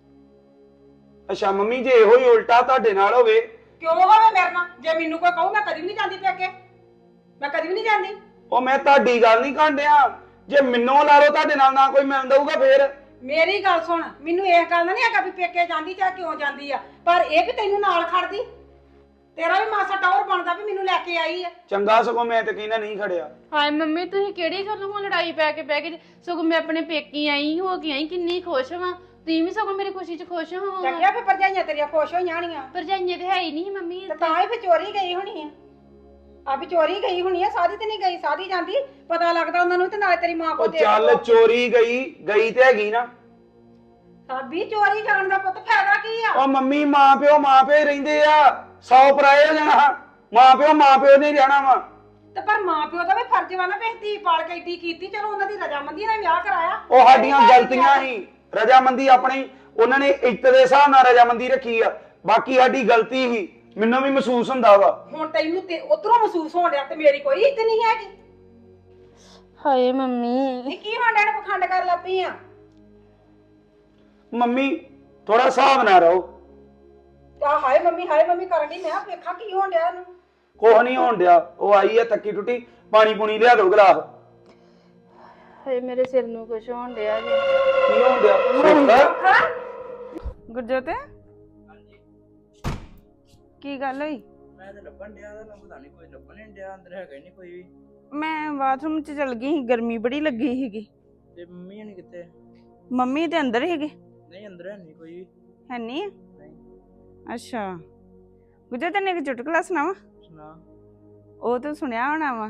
Speaker 5: ਅੱਛਾ ਮੰਮੀ ਜੇ ਇਹੋ ਹੀ ਉਲਟਾ ਤੁਹਾਡੇ ਨਾਲ ਹੋਵੇ?
Speaker 2: ਕਿਉਂ ਹੋਵੇ ਮੇਰੇ ਨਾਲ? ਜੇ ਮੈਨੂੰ ਕੋਈ ਕਹੂ ਮੈਂ ਕਦੀ ਵੀ ਨਹੀਂ ਜਾਂਦੀ ਪੇਕੇ, ਮੈਂ ਕਦੀ ਵੀ ਨਹੀਂ ਜਾਂਦੀ।
Speaker 5: ਉਹ ਮੈਂ ਤੁਹਾਡੀ ਗੱਲ ਨਹੀਂ ਕਾਂਡਿਆ, ਜੇ ਮੈਨੂੰ ਲਾ ਲਓ ਤੁਹਾਡੇ ਨਾਲ ਨਾ ਕੋਈ ਮਿਲਣ ਦਊਗਾ ਫੇਰ।
Speaker 2: ਮੇਰੀ ਗੱਲ ਸੁਣ, ਮੈਨੂੰ ਇਹ ਗੱਲ ਨਹੀਂ ਹੈਗਾ ਵੀ ਪੇਕੇ ਜਾਂਦੀ ਜਾਂ ਕਿਉਂ ਜਾਂਦੀ ਆ, ਪਰ ਇਹ ਵੀ ਤੈਨੂੰ ਨਾਲ ਖੜਦੀ। ਤੇਰਾ ਵੀ ਮਾਸਾ ਟੌਰ ਬਣਦਾ ਵੀ ਮੈਨੂੰ ਲੈ ਕੇ ਆਈ ਆ।
Speaker 5: ਚੰਗਾ, ਸਗੋਂ ਮੈਂ ਤੇ ਕਹਿੰਦਾ ਨਹੀਂ ਖੜਿਆ।
Speaker 7: ਹਾਏ ਮੰਮੀ ਤੁਸੀਂ ਕਿਹੜੀ ਗੱਲੋਂ ਹੁਣ ਲੜਾਈ ਪੈ ਕੇ ਬਹਿ ਗਏ? ਸਗੋਂ ਮੈਂ ਆਪਣੇ ਪੇਕੀ ਆਈ ਹੋ ਕੇ ਆਈ, ਕਿੰਨੀ ਖੁਸ਼ ਹਾਂ। ਤੁਸੀਂ ਵੀ ਸਗੋਂ ਮੇਰੀ ਖੁਸ਼ੀ 'ਚ ਖੁਸ਼ ਹੋ।
Speaker 2: ਚੰਗਿਆ ਫਿਰ ਭਰਜਾਈਆਂ ਤੇਰੀਆਂ ਖੁਸ਼ ਹੋਈਆਂ ਹੋਣੀਆਂ।
Speaker 7: ਭਰਜਾਈਆਂ ਤੇ ਹੈ ਹੀ ਨਹੀਂ ਮੰਮੀ
Speaker 2: ਤੇ ਤਾਂ ਹੀ ਫਿਰ ਚੋਰੀ ਗਈ ਹੋਣੀ ਆ। ਆ ਵੀ ਚੋਰੀ ਗਈ ਹੋਣੀ ਆ, ਸਾਦੀ ਤੇ ਨਹੀਂ ਗਈ। ਸਾਦੀ ਜਾਂਦੀ ਪਤਾ ਲੱਗਦਾ ਉਹਨਾਂ ਨੂੰ ਤੇ ਨਾਲੇ ਤੇਰੀ ਮਾਂ
Speaker 5: ਉਹ
Speaker 2: ਕੋ ਦੇ
Speaker 5: ਚੱਲ ਚੋਰੀ ਗਈ ਤੇ ਹੈਗੀ ਨਾ।
Speaker 2: ਸਾਬੀ ਚੋਰੀ ਜਾਣ ਦਾ ਪੁੱਤ ਫਾਇਦਾ ਕੀ ਆ?
Speaker 5: ਉਹ ਮੰਮੀ ਮਾਂ ਪਿਓ ਹੀ ਰਹਿੰਦੇ ਆ, 100 ਪਰਾਏ ਹੋ ਜਾਣਾ। ਮਾਂ ਪਿਓ ਨੇ ਰਹਿਣਾ ਵਾ।
Speaker 2: ਤੇ ਪਰ ਮਾਂ ਪਿਓ ਦਾ ਵੀ ਫਰਜ਼ ਵਾ ਨਾ, ਵੀ ਧੀ ਪਾਲ ਕੇ ਏਡੀ ਕੀਤੀ, ਚਲੋ ਉਹਨਾਂ ਦੀ ਰਜਾਮੰਦੀ ਨਾਲ ਵਿਆਹ ਕਰਾਇਆ।
Speaker 5: ਉਹ ਸਾਡੀਆਂ ਗਲਤੀਆਂ ਹੀ, ਰਜਾਮੰਦੀ ਆਪਣੀ ਉਹਨਾਂ ਨੇ ਇੱਜ਼ਤ ਦੇ ਹਿਸਾਬ ਨਾਲ ਰਜਾਮੰਦੀ ਰੱਖੀ ਆ, ਬਾਕੀ ਸਾਡੀ ਗਲਤੀ ਹੀ। ਮੈਨੂੰ ਵੀ ਮਹਿਸੂਸ ਹੁੰਦਾ ਵਾ।
Speaker 2: ਹੁਣ ਤੈਨੂੰ ਤੇ ਉਧਰੋਂ ਮਹਿਸੂਸ ਹੋਣ ਡਿਆ ਤੇ ਮੇਰੀ ਕੋਈ ਇੱਜ਼ਤ ਨਹੀਂ ਹੈਗੀ।
Speaker 7: ਹਾਏ ਮੰਮੀ
Speaker 2: ਇਹ ਕੀ ਹਾਂਡਿਆਂ ਨੇ ਪਖੰਡ ਕਰ ਲੱਪੀ ਆ?
Speaker 5: ਮੰਮੀ ਥੋੜਾ ਹਿਸਾਬ ਨਾਲ ਰਹੋ।
Speaker 2: ਆ ਹਾਏ ਮੰਮੀ ਕਰਨ ਦੀ। ਮੈਂ ਵੇਖਾਂ ਕੀ ਹੋਣ ਡਿਆ ਇਹਨੂੰ।
Speaker 5: ਕੁਛ ਨਹੀਂ ਹੋਣ ਡਿਆ। ਉਹ ਆਈ ਆ ਤੱਕੀ ਟੁੱਟੀ, ਪਾਣੀ ਪੂਣੀ ਲਿਆ ਦੋ ਗਲਾਸ।
Speaker 7: ਹਾਏ ਮੇਰੇ ਸਿਰ ਨੂੰ ਕੁਝ ਹੋਣ ਡਿਆ ਜੀ।
Speaker 5: ਕੀ ਹੋਣ ਡਿਆ?
Speaker 3: ਗੁਰਜੋਤ ਕੀ ਗੱਲ ਹੋਈ?
Speaker 8: ਮੈਂ ਤਾਂ ਲੱਭਣ ਡਿਆ ਤਾਂ ਪਤਾ ਨਹੀਂ ਕੋਈ ਲੱਭਣ ਨਹੀਂ ਡਿਆ, ਅੰਦਰ ਹੈਗਾ ਹੀ ਨਹੀਂ ਕੋਈ ਵੀ।
Speaker 3: ਮੈਂ ਬਾਥਰੂਮ 'ਚ ਚਲ ਗਈ ਸੀ, ਗਰਮੀ ਬੜੀ ਲੱਗੀ ਸੀਗੀ।
Speaker 8: ਤੇ ਮੰਮੀ ਹਣੀ ਕਿੱਥੇ?
Speaker 3: ਮੰਮੀ ਤੇ ਅੰਦਰ ਸੀਗੇ।
Speaker 8: ਨਹੀਂ ਅੰਦਰ ਹੈ ਨਹੀਂ ਕੋਈ ਵੀ।
Speaker 3: ਹੈ ਨਹੀਂ?
Speaker 8: ਨਹੀਂ।
Speaker 3: ਅੱਛਾ ਗੁਰਜੋਤ ਤੈਨੂੰ ਇੱਕ ਚੁਟਕਲਾ ਸੁਣਾਵਾਂ?
Speaker 8: ਸੁਣਾ।
Speaker 3: वो तो सुना होना वा,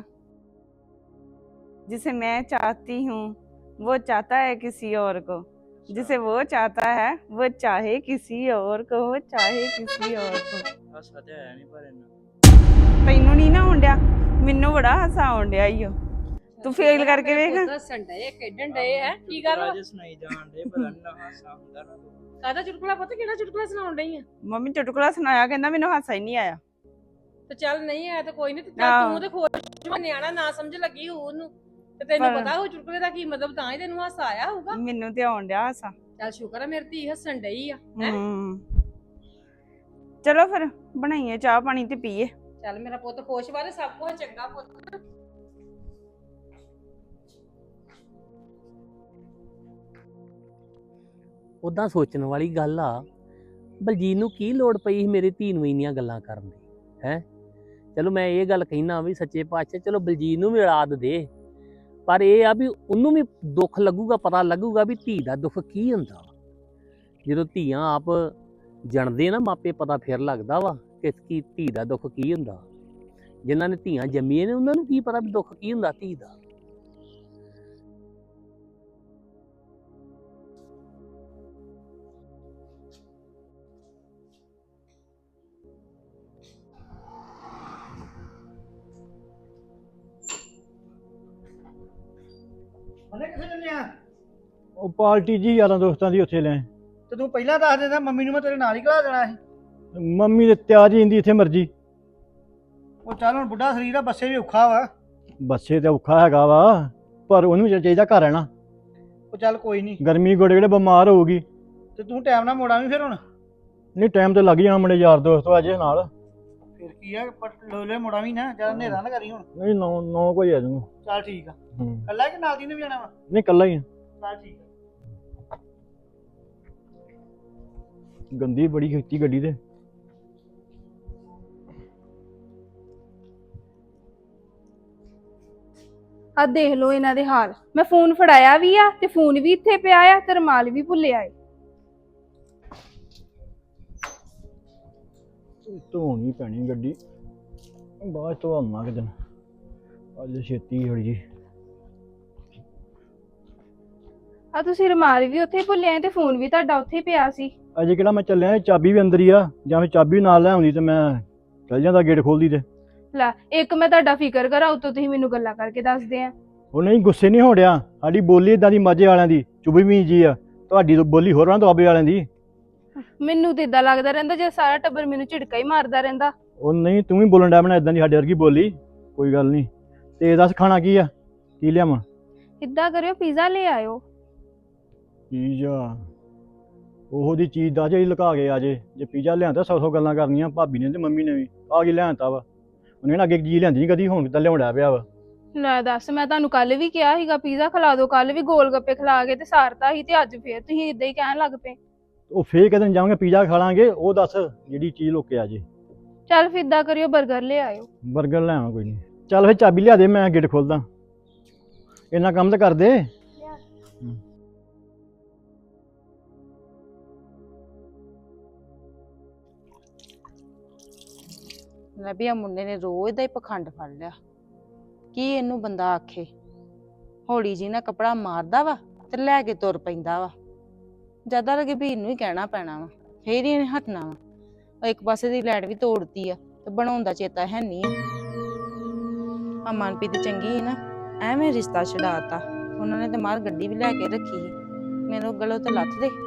Speaker 3: जिसे मैं चाहती हूँ वो चाहता है किसी और को, जिसे वो चाहता है वो चाहे किसी और को, वो चाहे किसी और को।
Speaker 8: ਹਾਸਾ ਤੇ ਆਇਆ ਨਹੀਂ ਪਰ ਇੰਨਾ।
Speaker 3: ਤੈਨੂੰ ਨਹੀਂ ਨਾ ਆਉਣ ਡਿਆ, ਮੈਨੂੰ ਬੜਾ ਹਾਸਾ ਆਉਣ ਡਿਆ ਈਓ। ਤੂੰ ਫੇਲ ਕਰਕੇ ਵੇਖ।
Speaker 4: ਦੱਸਣ ਡਏ ਖੇਡਣ ਡਏ ਹੈ ਕੀ ਗੱਲ ਵਾ?
Speaker 8: ਰਾਜੇ ਸੁਣਾਈ ਜਾਣ ਦੇ, ਪਤਾ ਨਹੀਂ ਹਾਸਾ ਹੁੰਦਾ ਨਾ।
Speaker 4: ਕਾਹਦਾ ਚੁਟਕਲਾ ਪਤਾ ਕਿਹੜਾ ਚੁਟਕਲਾ ਸੁਣਾਉਣ ਡਈ ਆ?
Speaker 3: ਮੰਮੀ ਚੁਟਕਲਾ ਸੁਣਾਇਆ, ਕਹਿੰਦਾ ਮੈਨੂੰ ਹਾਸਾ ਹੀ ਨਹੀਂ ਆਇਆ।
Speaker 4: ਤੇ ਚੱਲ ਨਹੀਂ ਆਇਆ ਤਾਂ ਕੋਈ ਨਹੀਂ, ਤੇ
Speaker 3: ਆਹੋ।
Speaker 4: ਤੂੰ ਤੇ ਖੁਸ਼ ਨਿਆਣਾ ਨਾ ਸਮਝ ਲੱਗੀ ਹੋਊ ਉਹਨੂੰ, ਤੇ ਤੈਨੂੰ
Speaker 3: ਪਰ-
Speaker 4: ਪਤਾ ਹੋ ਚੁਟਕਲੇ ਦਾ ਕੀ ਮਤਲਬ, ਤਾਂ ਹੀ ਤੈਨੂੰ ਹਾਸਾ ਆਇਆ ਹੋਊਗਾ।
Speaker 3: ਮੈਨੂੰ ਤੇ ਆਉਣ ਡਿਆ ਹਾਸਾ।
Speaker 4: ਚੱਲ ਸ਼ੁਕਰ ਆ ਮੇਰੀ ਧੀ ਹੱਸਣ ਡਈ ਆ। ਹੈਂ?
Speaker 3: ਚਲੋ ਫਿਰ ਬਣਾਈਏ ਚਾਹ ਪਾਣੀ ਤੇ ਪੀਏ।
Speaker 4: ਚੱਲ ਮੇਰਾ ਪੁੱਤ ਖੁਸ਼ ਵਾਲੇ ਸਭ ਕੁਝ ਚੰਗਾ ਪੁੱਤ।
Speaker 6: ਉਦਾਂ ਸੋਚਣ ਵਾਲੀ ਗੱਲ ਆ, ਬਲਜੀਤ ਨੂੰ ਕੀ ਲੋੜ ਪਈ ਸੀ ਮੇਰੀ ਧੀ ਨੂੰ ਇੰਨੀਆਂ ਗੱਲਾਂ ਕਰਨ ਦੀ? ਹੈ ਚਲੋ ਮੈਂ ਇਹ ਗੱਲ ਕਹਿਣਾ ਵੀ ਸੱਚੇ ਪਾਤਸ਼ਾਹ ਚਲੋ ਬਲਜੀਤ ਨੂੰ ਵੀ ਔਲਾਦ ਦੇ, ਪਰ ਇਹ ਆ ਵੀ ਉਹਨੂੰ ਵੀ ਦੁੱਖ ਲੱਗੂਗਾ, ਪਤਾ ਲੱਗੂਗਾ ਵੀ ਧੀ ਦਾ ਦੁੱਖ ਕੀ ਹੁੰਦਾ। ਜਦੋਂ ਧੀਆਂ ਆਪ ਜਣਦੇ ਨਾ ਮਾਪੇ, ਪਤਾ ਫਿਰ ਲੱਗਦਾ ਵਾ ਕਿ ਕੀ ਧੀ ਦਾ ਦੁੱਖ ਕੀ ਹੁੰਦਾ। ਜਿਨ੍ਹਾਂ ਨੇ ਧੀਆਂ ਜੰਮੀਆਂ ਨੇ ਉਹਨਾਂ ਨੂੰ ਕੀ ਪਤਾ ਵੀ ਦੁੱਖ ਕੀ ਹੁੰਦਾ ਧੀ ਦਾ।
Speaker 9: ਉਹਨੇ ਕਿੱਥੇ ਚੱਲੇ ਆ?
Speaker 10: ਉਹ ਪਾਰਟੀ ਜੀ ਯਾਰਾਂ ਦੋਸਤਾਂ ਦੀ ਉੱਥੇ ਲੈ।
Speaker 9: ਤੇ ਤੂੰ ਪਹਿਲਾਂ ਦੱਸ ਦਿੰਦਾ, ਮੰਮੀ ਨੂੰ ਮੈਂ ਤੇਰੇ ਨਾਲ ਹੀ ਘਲਾ ਦੇਣਾ ਸੀ।
Speaker 10: ਮੰਮੀ ਤੇ ਤਿਆਰ ਹੀ ਇੰਦੀ ਇੱਥੇ ਮਰਜੀ।
Speaker 9: ਉਹ ਚੱਲ ਹੁਣ ਬੁੱਢਾ ਸਰੀਰ ਆ, ਬੱਸੇ ਵੀ ਔਖਾ ਵਾ।
Speaker 10: ਬੱਸੇ ਤੇ ਔਖਾ ਹੈਗਾ ਵਾ, ਪਰ ਉਹਨੂੰ ਚਾਹੀਦਾ ਘਰ ਰਹਿਣਾ।
Speaker 9: ਉਹ ਚੱਲ ਕੋਈ ਨਹੀਂ,
Speaker 10: ਗਰਮੀ ਗੋੜੇ ਗੋੜੇ ਬਿਮਾਰ ਹੋਊਗੀ।
Speaker 9: ਤੇ ਤੂੰ ਟਾਈਮ ਨਾਲ ਮੋੜਾ ਵੀ ਫਿਰ ਹੁਣ।
Speaker 10: ਨਹੀਂ ਟਾਈਮ ਤੇ ਲੱਗ ਜਾਣਾ, ਮੁੰਡੇ ਯਾਰ ਦੋਸਤ ਆ ਜੇ ਨਾਲ।
Speaker 9: ਫਿਰ ਕੀ ਆ, ਲੋਲੇ ਮੋੜਾ ਵੀ ਨਾ, ਜਿਆਦਾ ਹਨੇਰਾ ਨਾ ਕਰੀ ਹੁਣ।
Speaker 10: ਨਹੀਂ 9 ਕੋਈ ਆ ਜਾਊਗਾ।
Speaker 9: ਚੱਲ ਠੀਕ ਆ।
Speaker 10: ਹੂੰ।
Speaker 9: ਕੱਲਾ ਕਿ ਨਾਲ ਦੀ ਨੇ ਵੀ ਜਾਣਾ ਵਾ?
Speaker 10: ਨਹੀਂ ਕੱਲਾ ਹੀ ਆ।
Speaker 9: ਚੱਲ ਠੀਕ ਆ।
Speaker 10: ਗੰਦੀ ਬੜੀ ਕੀਤੀ ਗੱਡੀ ਤੇ।
Speaker 11: ਆ ਦੇਖ ਲਓ ਇਹਨਾਂ ਦੇ ਹਾਲ। ਮੈਂ ਫੋਨ ਫੜਾਇਆ ਵੀ ਆ ਤੇ ਫੋਨ ਵੀ ਇੱਥੇ ਪਿਆ ਆ ਤੇ ਰੁਮਾਲ ਵੀ ਭੁੱਲਿਆ ਏ।
Speaker 10: ਧੋਣੀ ਪੈਣੀ ਗੱਡੀ, ਬਾਅਦ ਚ ਧੋਵਾਂਗਾ ਕਿਤੇ। ਅੱਜ ਛੇਤੀ ਹੋਈ ਜੀ।
Speaker 11: ਆ ਤੁਸੀਂ ਰੁਮਾਲ ਵੀ ਉੱਥੇ ਭੁੱਲਿਆ ਤੇ ਫੋਨ ਵੀ ਤੁਹਾਡਾ ਉੱਥੇ ਪਿਆ ਸੀ।
Speaker 10: ਅਜੇ ਕਿਹੜਾ ਮੈਂ ਚੱਲਿਆ, ਚਾਬੀ ਵੀ ਅੰਦਰ ਹੀ ਆ। ਜਾਂ ਫਿਰ ਚਾਬੀ ਨਾਲ ਲੈ ਆਉਂਦੀ ਤੇ ਮੈਂ ਚੱਲ ਜਾਂਦਾ, ਗੇਟ ਖੋਲਦੀ ਤੇ।
Speaker 11: ਲੈ ਇੱਕ ਮੈਂ ਤੁਹਾਡਾ ਫਿਕਰ ਕਰਾਂ, ਉਤੋਂ ਤੁਸੀਂ ਮੈਨੂੰ ਗੱਲਾਂ ਕਰਕੇ ਦੱਸਦੇ ਆ।
Speaker 10: ਉਹ ਨਹੀਂ, ਗੁੱਸੇ ਨਹੀਂ ਹੋ ਰਿਹਾ। ਸਾਡੀ ਬੋਲੀ ਇਦਾਂ ਦੀ ਮਾਝੇ ਵਾਲਿਆਂ ਦੀ ਚੁਬੀ ਜੀ ਆ। ਤੁਹਾਡੀ ਬੋਲੀ ਹੋਰਾਂ ਦੁਆਬੇ ਵਾਲਿਆਂ ਦੀ।
Speaker 11: ਮੈਨੂੰ ਤੇ ਇਦਾਂ ਲੱਗਦਾ ਰਹਿੰਦਾ ਜੇ ਸਾਰਾ ਟੱਬਰ ਮੈਨੂੰ ਝਿੜਕਾ ਹੀ ਮਾਰਦਾ ਰਹਿੰਦਾ।
Speaker 10: ਉਹ ਨਹੀਂ, ਤੂੰ ਵੀ ਬੋਲਣ ਡਿਆ ਬਣਾ ਇਦਾਂ ਦੀ ਸਾਡੇ ਵਰਗੀ ਬੋਲੀ। ਕੋਈ ਗੱਲ ਨਹੀਂ। ਤੇ ਦੱਸ ਖਾਣਾ ਕੀ ਆ, ਕੀ ਲਿਆਵਾਂ?
Speaker 11: ਇਦਾਂ ਕਰਿਓ ਪੀਜ਼ਾ ਲੈ ਆਇਓ।
Speaker 10: ਪੀਜ਼ਾ? ਉਹੋ ਦੀ ਚੀਜ਼ ਦਾ ਜਿਹੜੀ ਲੁਕਾ ਕੇ ਆ ਜੇ ਪੀਜ਼ਾ ਲਿਆਂਦਾ 100 ਗੱਲਾਂ ਕਰਨੀਆਂ ਭਾਬੀ ਨੇ ਤੇ ਮੰਮੀ ਨੇ ਵੀ। ਆ ਕੀ ਲਿਆਂਤਾ ਵਾ? ਉਹਨੇ ਨਾ ਅੱਗੇ ਚੀਜ਼ ਲਿਆਂਦੀ ਨਹੀਂ ਕਦੀ, ਹੁਣ ਕਿੱਦਾਂ ਲਿਆਉਣਾ ਪਿਆ ਵਾ।
Speaker 11: ਲੈ ਦੱਸ, ਮੈਂ ਤੁਹਾਨੂੰ ਕੱਲ ਵੀ ਕਿਹਾ ਸੀਗਾ ਪੀਜ਼ਾ ਖਿਲਾ ਦਿਓ, ਕੱਲ ਵੀ ਗੋਲ ਗੱਪੇ ਖਿਲਾ ਕੇ ਤੇ ਸਾਰਤਾ ਸੀ, ਤੇ ਅੱਜ ਫੇਰ ਤੁਸੀਂ ਇਦਾਂ ਹੀ ਕਹਿਣ ਲੱਗ ਪਏ।
Speaker 10: ਉਹ ਫੇਰ ਕਦੇ ਜਾਵਾਂਗੇ ਪੀਜ਼ਾ ਖਾ ਲਾਂਗੇ। ਉਹ ਦੱਸ ਜਿਹੜੀ ਚੀਜ਼ ਲੁੱਕ ਆ ਜੇ।
Speaker 11: ਚੱਲ ਫਿਰ ਇਦਾਂ ਕਰਿਓ 버ਗਰ ਲੈ ਆਇਓ।
Speaker 10: 버ਗਰ ਲੈ ਆਵਾਂ, ਕੋਈ ਨਹੀਂ। ਚੱਲ ਫਿਰ ਚਾਬੀ ਲਿਆ ਦੇ, ਮੈਂ ਗੇਟ ਖੋਲਦਾ। ਇੰਨਾ ਕੰਮ ਤਾਂ ਕਰ ਦੇ।
Speaker 1: ਲੈ ਵੀ ਆ ਮੁੰਡੇ ਨੇ ਰੋਜ਼ ਦਾ ਹੀ ਪਖੰਡ ਫੜ ਲਿਆ। ਕੀ ਇਹਨੂੰ ਬੰਦਾ ਆਖੇ, ਹੌਲੀ ਜੀ ਨਾ ਕੱਪੜਾ ਮਾਰਦਾ ਵਾ ਤੇ ਲੈ ਕੇ ਤੁਰ ਪੈਂਦਾ ਵਾ। ਜ਼ਿਆਦਾ ਲੱਗੇ ਵੀ ਇਹਨੂੰ ਹੀ ਕਹਿਣਾ ਪੈਣਾ ਵਾ, ਫੇਰ ਹੀ ਇਹਨੇ ਹਟਣਾ ਵਾ। ਇੱਕ ਪਾਸੇ ਦੀ ਲਾਈਟ ਵੀ ਤੋੜਤੀ ਆ ਤੇ ਬਣਾਉਂਦਾ ਚੇਤਾ ਹੈ ਨਹੀਂ। ਆ ਮਨਪ੍ਰੀਤ ਚੰਗੀ ਸੀ ਨਾ, ਐਵੇਂ ਰਿਸ਼ਤਾ ਛਡਾਤਾ ਉਹਨਾਂ ਨੇ। ਤੇ ਮਾਰ ਗੱਡੀ ਵੀ ਲੈ ਕੇ ਰੱਖੀ ਸੀ, ਮੇਰੇ ਗਲੋਂ ਤੇ ਲੱਥ ਦੇ।